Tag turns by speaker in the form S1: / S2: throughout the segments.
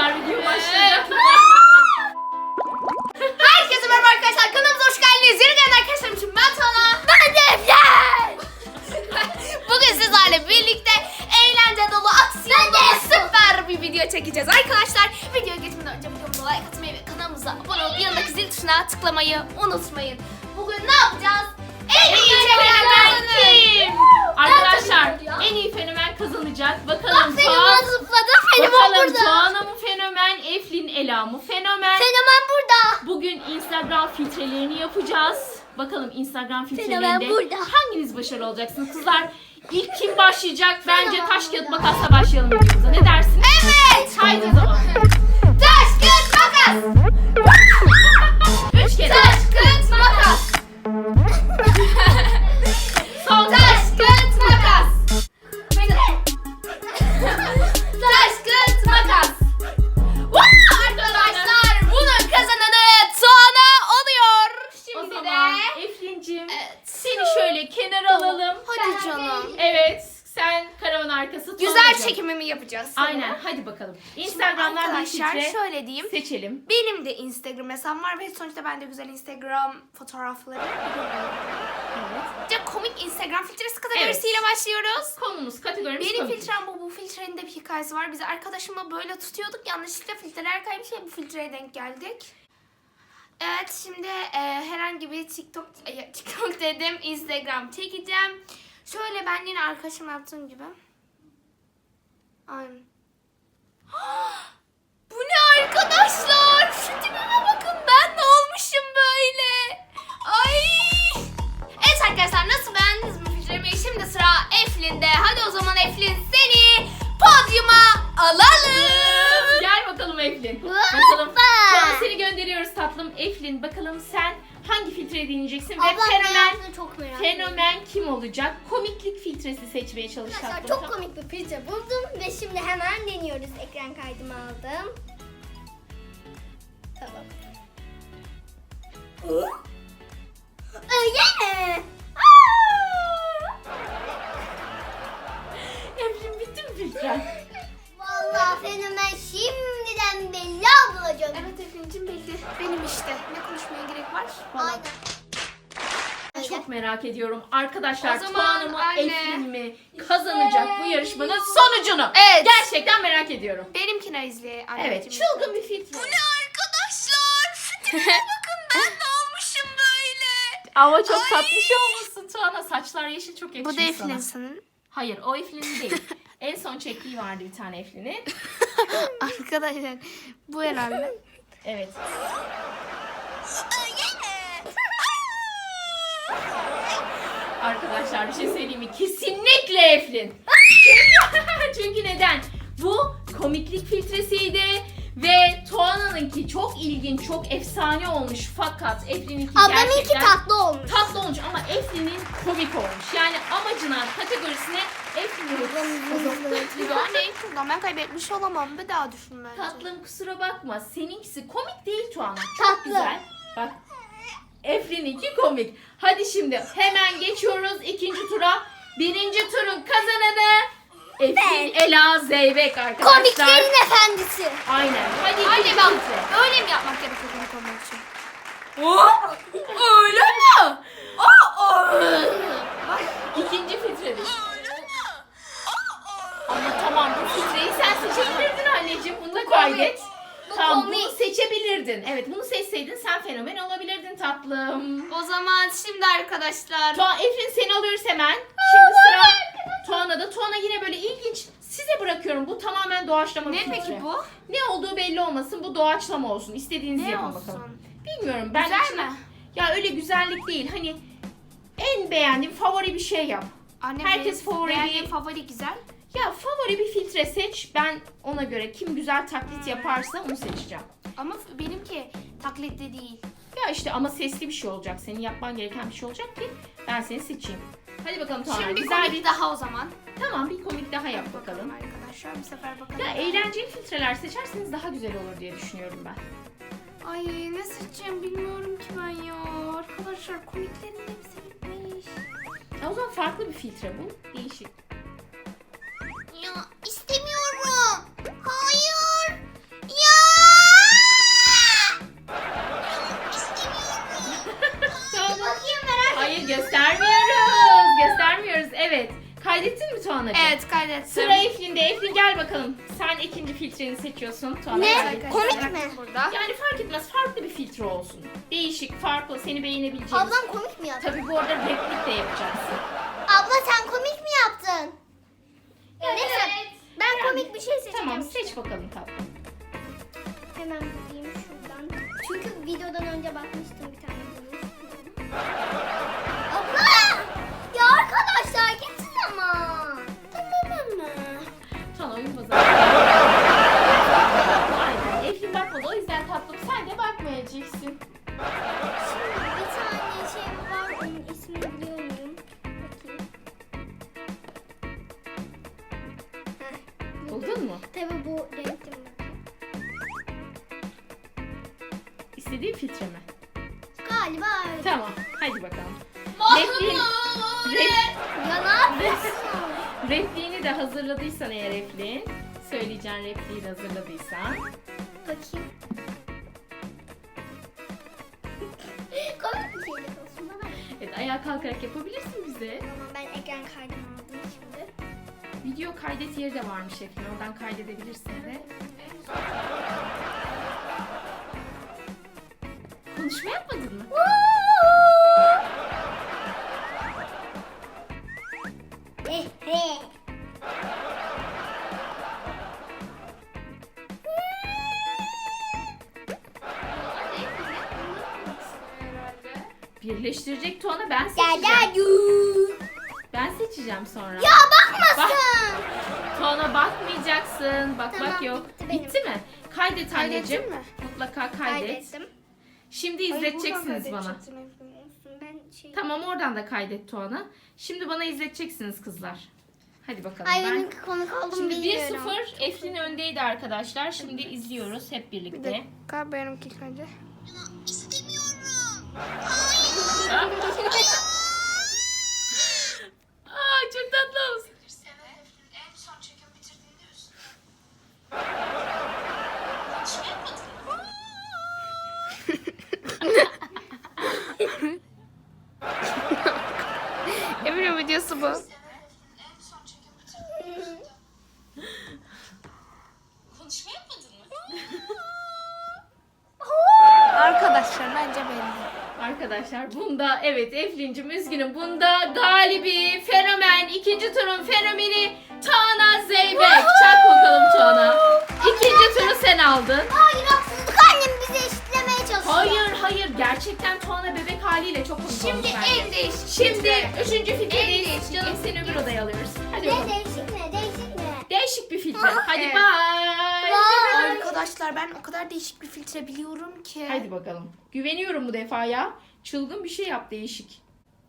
S1: Kızlar video başlayacak.
S2: Herkese merhaba arkadaşlar, kanalımıza hoş geldiniz. Yeni gelen arkadaşlarım için ben Tana. Ben Defne. Bugün sizlerle birlikte eğlence dolu, aksiyon dolu süper bir video çekeceğiz arkadaşlar. Videoya geçmeden önce videomuza like atmayı ve kanalımıza abone olup yanındaki zil tuşuna tıklamayı unutmayın. Bugün ne yapacağız? En iyi fenomen kim?
S1: Arkadaşlar en iyi fenomen kazanacak. Bakalım
S2: Fenomen zıpladı, fenomen
S1: Bakalım
S2: burada.
S1: Tuana mı fenomen, Eflin Ela mı fenomen?
S2: Fenomen burada.
S1: Bugün Instagram filtrelerini yapacağız. Bakalım Instagram
S2: Fenomen
S1: filtrelerinde
S2: burada.
S1: hanginiz başarılı olacaksınız? Kızlar ilk kim başlayacak? Bence taş kağıt makasla başlayalım videomuza. Ne dersiniz?
S2: Evet.
S1: Haydi o zaman.
S2: Taş kağıt makas.
S1: 3 kere.
S2: Taş kağıt makas.
S1: Son
S2: Taş kağıt makas. Taş kağıt makas. Arkadaşlar bunun kazananı Tuana oluyor.
S1: O
S2: Şimdi
S1: zaman
S2: de
S1: Eflin'cim
S2: Evet.
S1: seni şöyle kenara alalım.
S2: hadi canım.
S1: Evet, sen karavan arkası
S2: Güzel
S1: Tuana'cığım.
S2: çekimimi yapacağız.
S1: Aynen, hadi bakalım. Instagram'dan bir
S2: Arkadaşlar
S1: filtre
S2: şöyle diyeyim.
S1: seçelim.
S2: Benim de Instagram hesabım var ve sonuçta ben de güzel Instagram fotoğrafları
S1: Evet.
S2: de komik Instagram filtresi kategorisiyle başlıyoruz.
S1: Konumuz, kategorimiz
S2: Benim
S1: komik.
S2: filtrem bu. Bu filtrenin de bir hikayesi var. Biz arkadaşımla böyle tutuyorduk. Yanlışlıkla filtreler kaymış ve bu filtreye denk geldik. Evet, şimdi herhangi bir TikTok dedim, Instagram çekeceğim. Şöyle ben yine arkadaşım yaptığım gibi. Aynen. Bu ne arkadaşlar? Şu tipime bakın, ben ne olmuşum böyle? Ay! Evet arkadaşlar, nasıl, beğendiniz mi filtremi? Şimdi sıra Eflin'de. Hadi o zaman Eflin, seni podyuma alalım.
S1: Gel bakalım Eflin.
S2: Hoppa.
S1: Bakalım. Şu an seni gönderiyoruz tatlım. Eflin, bakalım sen hangi filtreyi deneyeceksin ve fenomen kim olacak? Komiklik filtresi seçmeye çalış
S3: Arkadaşlar
S1: tatlım.
S3: çok komik bir filtre buldum ve şimdi hemen deniyoruz. Ekran kaydımı aldım. Tamam. Öyle mi?
S1: Eflin, bitti mi filtren?
S3: Vallahi fenomen şimdiden belli ablacığım.
S2: Evet Eflin'cim, belli. Benim işte. Ne konuşmaya gerek var?
S3: Aynen.
S1: Çok merak ediyorum. Arkadaşlar
S2: O zaman
S1: Tuana mı
S2: anne.
S1: Eflin mi kazanacak bu yarışmanın sonucunu?
S2: Evet.
S1: Gerçekten merak ediyorum.
S2: Benimkine izle anneciğim.
S1: Evet, çılgın bir filtre.
S2: Arkadaşlar, şu tipime bakın, ben ne olmuşum böyle?
S1: Ama çok tatlış olmuşsun Tuana. Saçlar yeşil, çok yakışmış
S2: Bu da
S1: sana.
S2: Eflin sanırım.
S1: Hayır, o Eflin'in değil. En son çektiği vardı bir tane Eflin'in.
S2: Arkadaşlar, bu herhalde.
S1: Evet. Arkadaşlar bir şey söyleyeyim mi? Kesinlikle Eflin. Çünkü neden? Bu komiklik filtresiydi ve Tuana'nınki çok ilginç, çok efsane olmuş, fakat Eflin'inki
S3: Ablamınki
S1: gerçekten
S3: tatlı olmuş.
S1: tatlı olmuş ama Eflin'in komik olmuş. Yani amacına, kategorisine Eflin'in
S2: Yani şuradan ben kaybetmiş olamam. Bir daha düşün bence.
S1: tatlım, kusura bakma. Seninkisi komik değil Tuana. Çok
S3: Tatlı.
S1: güzel. Bak. Eflin'inki komik. Hadi şimdi hemen geçiyoruz ikinci tura. Birinci turun kazananı Eflin Ela Zeybek arkadaşlar.
S3: Komiklerin efendisi.
S1: Aynen. Hadi
S2: Anne
S1: ikinci
S2: bak,
S1: filtre.
S2: öyle mi yapmak gerekiyor bunu konuş için?
S1: Öyle mi? Bak, ikinci filtredir. Ama tamam, bu filtreyi sen seçebilirdin anneciğim. Bunu da kaydet. Tamam,
S3: komik.
S1: bunu seçebilirdin. Evet, bunu seçseydin sen fenomen olabilirdin tatlım.
S2: O zaman şimdi arkadaşlar.
S1: Eflin, seni alıyoruz hemen. Şimdi sıra Tuana'da. Tuana yine böyle ilginç. Size bırakıyorum. Bu tamamen doğaçlama bir
S2: Ne
S1: filtre.
S2: peki bu?
S1: Ne olduğu belli olmasın. Bu doğaçlama olsun. İstediğinizi
S2: Ne
S1: yapın
S2: olsun?
S1: bakalım. Bilmiyorum. Ben
S2: Güzel
S1: içine-
S2: mi?
S1: Ya öyle güzellik değil. Hani en beğendiğim favori bir şey yap.
S2: Anne,
S1: Herkes
S2: benim
S1: favori
S2: beğendiğim
S1: değil.
S2: favori güzel.
S1: Ya favori bir filtre seç. Ben ona göre kim güzel taklit yaparsa onu seçeceğim.
S2: Ama benimki taklitli değil.
S1: Ya işte ama sesli bir şey olacak. Senin yapman gereken bir şey olacak ki ben seni seçeyim. Hadi bakalım Tuana.
S2: Şimdi bir
S1: Güzel
S2: komik daha o zaman.
S1: Tamam, bir komik daha yap bakalım.
S2: Arkadaşlar bu sefer bakalım.
S1: Ya eğlenceli filtreler seçerseniz daha güzel olur diye düşünüyorum ben.
S2: Ay, ne seçeceğim bilmiyorum ki ben ya. Arkadaşlar komiklerin hepsi bitmiş.
S1: Ya o zaman farklı bir filtre bul. Değişik.
S3: Ya istemiyorum. Hayır.
S2: kaydettim.
S1: Sıra Eflin'de. Eflin gel bakalım. Sen ikinci filtreni seçiyorsun. Tuana
S3: Ne?
S1: kaydetsin.
S3: Komik mi?
S2: Burada.
S1: Yani fark etmez. Farklı bir filtre olsun. Değişik, farklı, seni beğenebileceğiniz.
S3: Ablam komik mi yaptı?
S1: Tabii bu arada replik de yapacaksın.
S3: Abla sen komik mi yaptın? Neyse ben komik bir şey seçeceğim.
S1: Tamam, seç bakalım tatlım.
S3: Hemen bulayım şuradan. Çünkü videodan önce bakmıştım bir tane bunu. Abla! Ya arkadaşlar gitsin ama. Tamam ama.
S1: Tuana oyun pazarı. Aynen. Eflin bakmadı. O yüzden tatlım sen de bakmayacaksın.
S3: Şimdi bir tane şey var. Onun ismini biliyor muyum? Bakayım. Heh,
S1: Buldun mu?
S3: tabii bu renkli mi?
S1: İstediğin filtre mi?
S3: Galiba öyle.
S1: Tamam. Hadi bakalım. Repliğin,
S3: Ya ne yapıyorsun?
S1: repliğini de hazırladıysan eğer Eflin. Söyleyeceğin repliği de hazırladıysan.
S3: Bakayım. Komik bir şey olsun bana.
S1: Evet, ayağa kalkarak yapabilirsin bize.
S3: Tamam ben ekran kaydımı aldım şimdi.
S1: Video kaydet yeri de varmış Eflin. Oradan kaydedebilirsin de. Konuşma yapmadın mı? Birleştirecek Tuana ben seçeceğim. Ben seçeceğim sonra.
S3: Ya bakmasın.
S1: Tuana bakmayacaksın. Bak
S3: Tamam,
S1: bak yok.
S3: bitti benim.
S1: Bitti mi? Kaydet anneciğim.
S2: Kaydettin mi?
S1: Mutlaka kaydet.
S3: Kaydettim.
S1: Şimdi izleteceksiniz bana.
S3: Olsun ben şey...
S1: Tamam oradan da kaydet Tuana. Şimdi bana izleteceksiniz kızlar. Hadi bakalım.
S3: Ay
S1: ben...
S3: benim komik oldum
S1: Şimdi
S3: bilmiyorum.
S1: 1-0 Eflin öndeydi arkadaşlar. Şimdi izliyoruz hep
S2: Bir
S1: birlikte.
S2: dakika benimki ilk önce.
S1: Aa çok tatlı olsun.
S4: En son çekim bitirdiğinde üstüne.
S2: Emin videosu bu.
S4: En son çekim bitirdiğinde üstüne. Konuşma yapmadın mı?
S2: Arkadaşlar bence belli.
S1: Arkadaşlar bunda evet Eflin'cim üzgünüm. Bunda galibi fenomen ikinci turun fenomeni Tuana Zeybek. Çak bakalım Tuana. İkinci turu sen aldın.
S3: Hayır haksızlık annem bizi eşitlemeye çalışıyor.
S1: Hayır gerçekten Tuana bebek haliyle çok komik
S2: Şimdi
S1: olmuş bence.
S2: en değişik.
S1: Şimdi üçüncü filtredeyiz.
S2: değişik.
S1: Canım seni öbür odaya alıyoruz. Hadi
S3: Ne
S1: bakalım.
S3: değişik mi? Değişik mi?
S1: Değişik bir filtre. Hadi
S2: Evet.
S1: bye.
S2: Arkadaşlar ben o kadar değişik bir filtre biliyorum ki.
S1: Hadi bakalım. Güveniyorum bu defa ya. Çılgın bir şey yap değişik.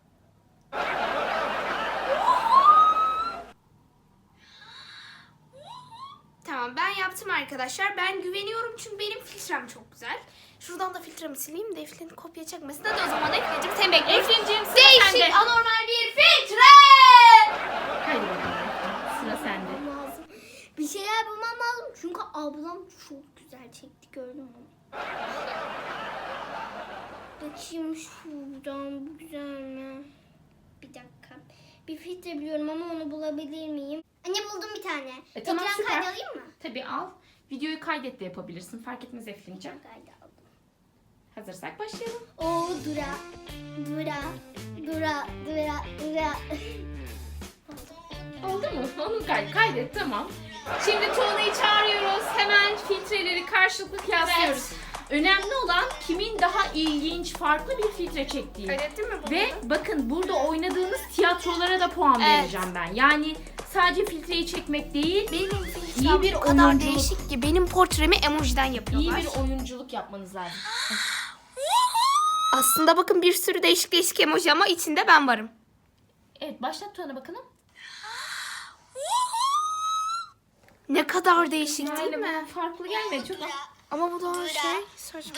S2: Tamam ben yaptım arkadaşlar. Ben güveniyorum çünkü benim filtrem çok güzel. Şuradan da filtremi sileyim de Eflin kopya çekmesin. Hadi o zaman Eflin'cim sen bekle.
S1: Eflin'cim sıra
S2: Değişik
S1: sende.
S2: anormal bir filtre.
S1: Hadi bakalım. Sıra sende.
S3: Lazım. Bir şeyler bulmam lazım çünkü ablam çok güzel çekti gördün mü? Bakayım şuradan bu güzel mi? Bir dakika. Bir filtre biliyorum ama onu bulabilir miyim? Anne buldum bir tane.
S1: Tamam,
S3: Ekran
S1: süper.
S3: kaydı alayım mı?
S1: Tabii al. Videoyu kaydet de yapabilirsin. Fark etmez Eflin'cim.
S3: Kaydı aldım.
S1: Hazırsak başlayalım.
S3: Oo dura.
S1: Oldu mu? Onu kaydet tamam. Şimdi Tuana'yı çağırıyoruz. Hemen filtreleri karşılıklı kıyaslıyoruz. Önemli olan kimin daha ilginç, farklı bir filtre çektiği.
S2: Kaydettin mi bunu?
S1: Ve bakın burada oynadığınız tiyatrolara da puan
S2: Evet.
S1: vereceğim ben. Yani sadece filtreyi çekmek değil,
S2: Benim
S1: İyi
S2: filtrem
S1: bir
S2: o kadar
S1: oyunculuk.
S2: değişik ki benim portremi emojiden
S1: iyi
S2: yapıyorlar.
S1: bir oyunculuk yapmanız lazım.
S2: Aslında bakın bir sürü değişik emoji ama içinde ben varım.
S1: Evet başlat Tuana bakalım.
S2: Ne kadar değişik değil
S1: Yani
S2: mi?
S1: bu farklı gelmedi çok.
S2: Ama bu da şey saçma.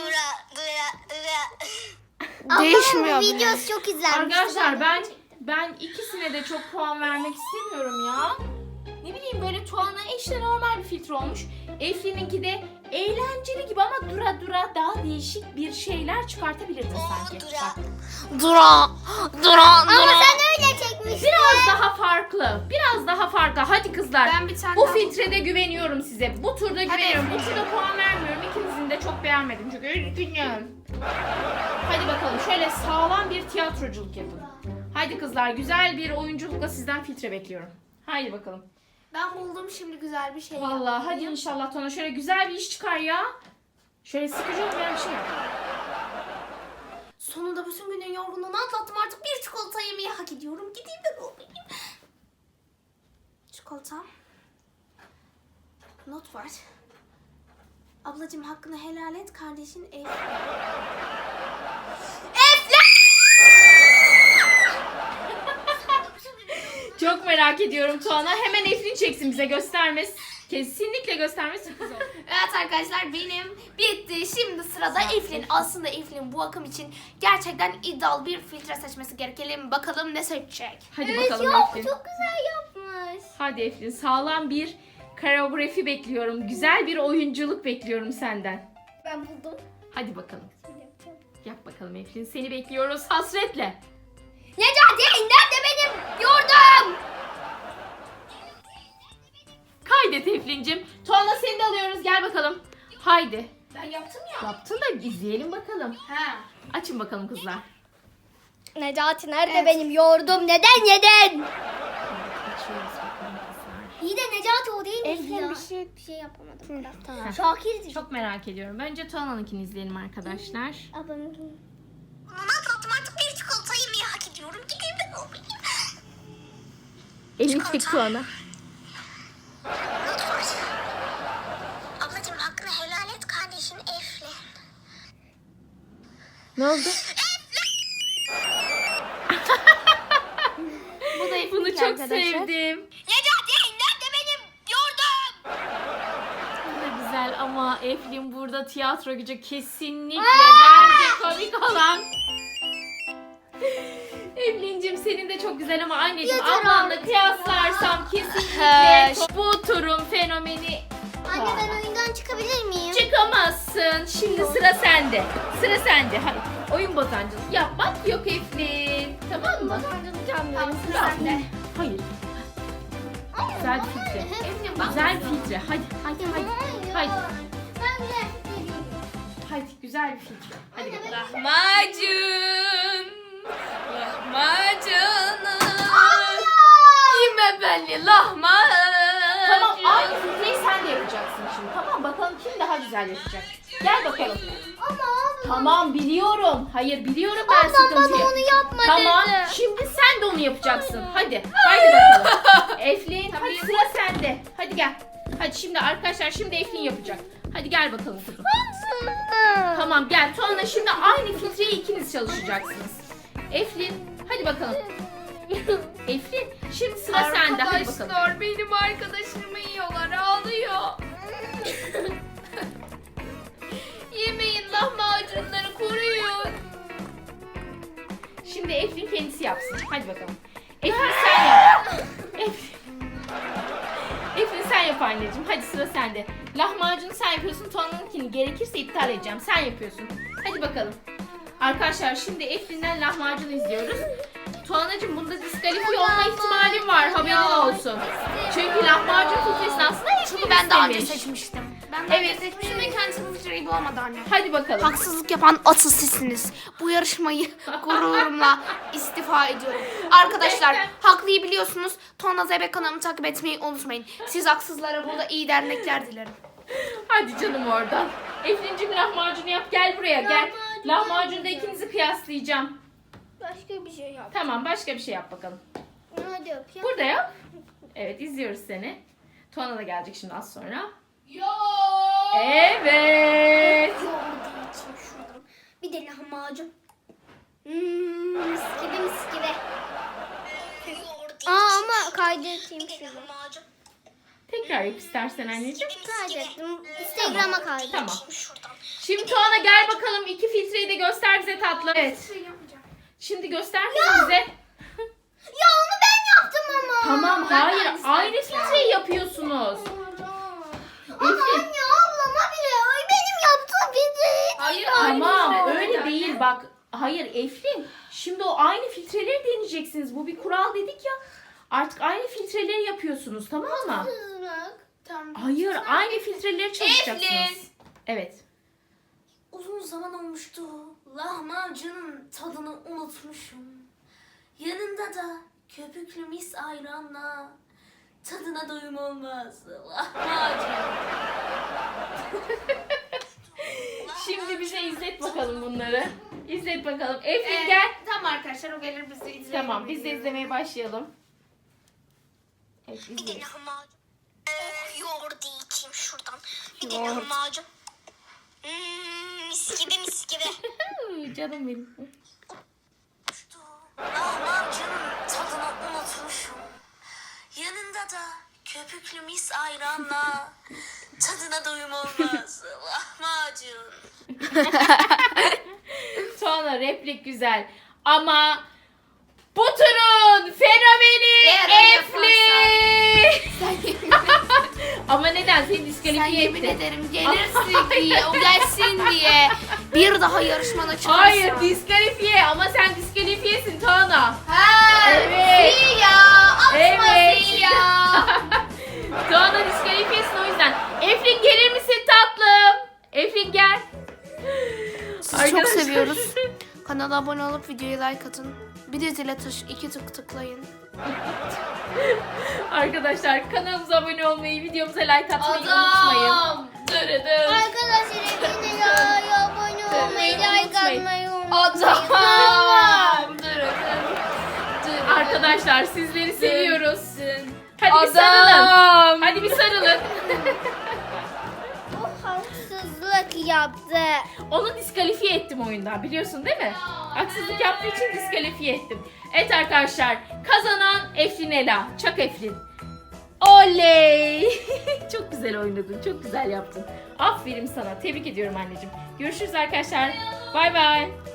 S3: Ablamın
S2: Değişmiyor
S3: bu
S2: bile.
S3: videosu çok izlenmiş.
S1: Arkadaşlar ben ikisine de çok puan vermek istemiyorum ya. Ne bileyim böyle Tuana işte normal bir filtre olmuş. Eflin'inki de eğlenceli gibi ama dura dura daha değişik bir şeyler çıkartabilirdin sanki.
S2: Dura.
S3: Ama sen öyle çekmiştin.
S1: Biraz daha farklı. Biraz daha farklı. Hadi kızlar.
S2: Ben bir tane
S1: Bu
S2: daha-
S1: filtrede güveniyorum size. Bu turda güveniyorum. Bu
S2: Eflin.
S1: turda puan vermiyorum. İkinizin de çok beğenmedim çünkü üzgünüm. Hadi bakalım şöyle sağlam bir tiyatroculuk yapın. Hadi kızlar güzel bir oyunculukla sizden filtre bekliyorum. Haydi bakalım.
S2: Ben buldum şimdi güzel bir şey.
S1: Vallahi hadi inşallah Tona şöyle güzel bir iş çıkar ya. Şöyle sıkıcı olmayan bir şey yap.
S2: Sonunda bütün günün yorgunluğunu atlattım. Artık bir çikolata yemeyi hak ediyorum. Gideyim de bulayım. Çikolata. Not var. Ablacığım hakkını helal et. Kardeşin Eflin.
S1: Çok merak ediyorum Tuana. Hemen Eflin çeksin bize göstermez. Kesinlikle göstermez sürpriz olur.
S2: Evet arkadaşlar benim bitti. Şimdi sırada Eflin. Aslında Eflin bu akım için gerçekten iddialı bir filtre seçmesi gerekelim. Bakalım ne seçecek.
S1: Hadi
S3: Evet
S1: bakalım
S3: ya
S1: Eflin.
S3: çok güzel yapmış.
S1: Hadi Eflin sağlam bir koreografi bekliyorum. Güzel bir oyunculuk bekliyorum senden.
S3: Ben buldum.
S1: Hadi bakalım. Yap bakalım Eflin. Seni bekliyoruz hasretle.
S3: Necati nerede benim yurdum?
S1: Kaydet Eflin'cim. Tuana seni de alıyoruz. Gel bakalım. Haydi.
S2: Ben yaptım ya.
S1: Yaptın da izleyelim bakalım.
S2: Ha.
S1: Açın bakalım kızlar.
S3: Necati nerede
S2: Evet.
S3: benim yurdum? Neden yedin?
S1: Açıyoruz bakalım kızlar.
S3: İyi de Necati o değil mi
S2: Eflin
S3: ya?
S2: bir
S3: Bir şey yapamadım.
S1: Heh.
S3: Şakir
S1: Çok merak ediyorum. Önce Tuana'nınkini izleyelim arkadaşlar.
S3: Abim.
S2: Onu atlattım. Artık bir çikolata yemeyi hak ediyorum. Gideyim de bulayım.
S1: Elini çek Tuana.
S2: Not var. Ablacığım hakkını helal et. Kardeşin Eflin.
S1: Ne oldu?
S2: Bu da Eflin
S1: Bunu çok
S2: arkadaşlar.
S1: sevdim.
S2: Necati nerede benim yurdum?
S1: Bu da güzel ama Eflin burada tiyatro gücü kesinlikle bence komik olan. Eflin'cim senin de çok güzel ama anneciğim
S3: Yeter
S1: ablanla
S3: artık
S1: kıyaslarsam kesinlikle
S2: He.
S1: bu turun fenomeni
S3: Anne ben oyundan çıkabilir miyim?
S1: çıkamazsın. Şimdi sıra sende. Sıra sende. Hayır. Oyun bozancılık yapmak yok Eflin. Tamam mı?
S2: Tamam sıra
S1: Yap.
S2: sende.
S1: Hayır. Güzel bir filtre.
S2: Eflin bak.
S1: Güzel bir filtre. Hadi hadi hadi. Haydi.
S3: Ben güzel fikreliyim.
S1: Hadi güzel bir filtre. Hadi bakalım.
S2: Lahmacun. Lahmacunum. Yeme beni lahmacun.
S1: Tamam aynı filtreyi sen de yapacaksın şimdi. Tamam bakalım kim daha güzel yapacak. Gel bakalım.
S3: Ama abi.
S1: Tamam biliyorum. Hayır biliyorum ben
S3: Ablam
S1: sıkıntıyı.
S3: bana onu yapma
S1: Tamam
S3: dedi.
S1: şimdi sen de onu yapacaksın. Hadi. Haydi bakalım. Eflin hadi sıra sende. Hadi gel. Hadi şimdi arkadaşlar şimdi Eflin yapacak. Hadi gel bakalım kızım. Tamam gel. Tuana şimdi aynı filtreyi ikiniz çalışacaksınız. Eflin hadi bakalım. Eflin şimdi sıra sende. Hadi bakalım.
S2: Arkadaşlar benim arkadaşımı yiyorlar ağlıyor. Yemeyin lahmacunları koruyun.
S1: Şimdi Eflin kendisi yapsın. Hadi bakalım. Eflin sen yap. Eflin sen yap anneciğim. Hadi sıra sende. Lahmacunu sen yapıyorsun. Tuana'nınkini gerekirse iptal edeceğim. Sen yapıyorsun. Hadi bakalım. Arkadaşlar şimdi Eflin'den lahmacunu izliyoruz. Tuana'cığım bunda diskalifiye olma ihtimalin var. Haberin olsun. Çünkü lahmacun filtresini aslında Eflin
S2: Çünkü ben daha önce
S1: istemiş.
S2: seçmiştim. Ben daha önce
S1: Evet.
S2: seçmiştim ve kendisi bu filtreyi bulamadı anne.
S1: Hadi bakalım.
S2: Haksızlık yapan asıl sizsiniz. Bu yarışmayı gururumla istifa ediyorum. Arkadaşlar haklıyı biliyorsunuz. Tuana Zeybek kanalımı takip etmeyi unutmayın. Siz haksızlara burada iyi dernekler dilerim.
S1: Hadi canım oradan. Eflin'cim lahmacunu yap. Gel buraya gel. Lahmacunda ikinizi kıyaslayacağım.
S3: Başka bir şey yap.
S1: Tamam başka bir şey yap bakalım.
S3: Hadi yap ya.
S1: Burada yap. Evet izliyoruz seni. Tuana da gelecek şimdi az sonra. Evet.
S3: Yoğurduğum için şuradan. Bir de lahmacun. Mis gibi mis gibi. Ama kaydeteyim şunu.
S1: Tekrar yap istersen anneciğim.
S3: Kaydettim. Instagram'a kaydettim.
S1: Tamam. Şimdi Tuana gel bakalım. İki filtreyi de göster bize tatlım. Evet. Şimdi göster bize.
S3: Ya onu ben yaptım ama.
S1: Tamam
S2: Ben de
S1: hayır
S2: aynısını
S1: aynı
S2: yapacağım.
S1: filtreyi yapıyorsunuz.
S3: Ama anne ablama bile benim yaptığım filtre.
S2: Hayır
S1: Tamam
S2: filtre
S1: öyle
S2: değil.
S1: değil bak. Hayır Eflin şimdi o aynı filtreleri deneyeceksiniz. Bu bir kural dedik ya. Artık aynı filtreleri yapıyorsunuz tamam mı?
S2: Tamam.
S1: Hayır aynı filtreleri çalışacaksınız.
S2: Eflin.
S1: Evet.
S2: Uzun zaman olmuştu. Lahmacunun tadını unutmuşum. Yanında da köpüklü mis ayranla tadına doyum olmaz. Lahmacun.
S1: Şimdi bize izlet bakalım bunları. İzlet bakalım. Eflin gel.
S2: Tamam arkadaşlar o gelir bizi izleyelim.
S1: Tamam biz de izlemeye başlayalım. Evet
S4: Bir de
S1: izleyelim.
S4: lahmacun. Yoğurdu içeyim şuradan. Bir de
S1: Yoğurt.
S4: lahmacun. Mis gibi mis gibi.
S1: Canım benim.
S2: Lahmacunun tadını unutmuşum. Yanında da köpüklü mis ayranla tadına doyum olmaz. Lahmacun.
S1: Sonra replik güzel. Ama bu turun fenomeni
S2: Eğer
S1: Eflin. Ama neden? Seni
S2: Sen
S1: diskalifiye
S2: yemin
S1: etti.
S2: ederim gelirsin diye, o gelsin diye bir daha yarışmana çıkarsın.
S1: Hayır diskalifiye ama sen diskalifiyesin Tuana.
S2: Ha,
S1: Evet.
S2: Sil ya. Atma
S1: Evet.
S2: sil ya.
S1: Tuana diskalifiyesin o yüzden. Eflin gelir misin tatlım? Eflin gel.
S2: Sizi çok seviyoruz. Kanala abone olup videoya like atın. Bir de zile iki tıklayın.
S1: Arkadaşlar kanalımıza abone olmayı, videomuza like atmayı unutmayın. Dırıdım.
S3: Arkadaşlar yine abone olmayı, like atmayı unutmayın.
S2: Adam.
S1: Arkadaşlar sizleri seviyoruz. Hadi bir sarılın. Hadi bir sarılın.
S3: O haksızlık yaptı.
S1: Onu diskalifiye ettim oyundan biliyorsun değil mi? Haksızlık yaptığı için diskalifiye ettim. Evet arkadaşlar kazanan Eflin Ela. Çak Eflin. Oley. Çok güzel oynadın. Çok güzel yaptın. Aferin sana. Tebrik ediyorum anneciğim. Görüşürüz arkadaşlar. Bay bay.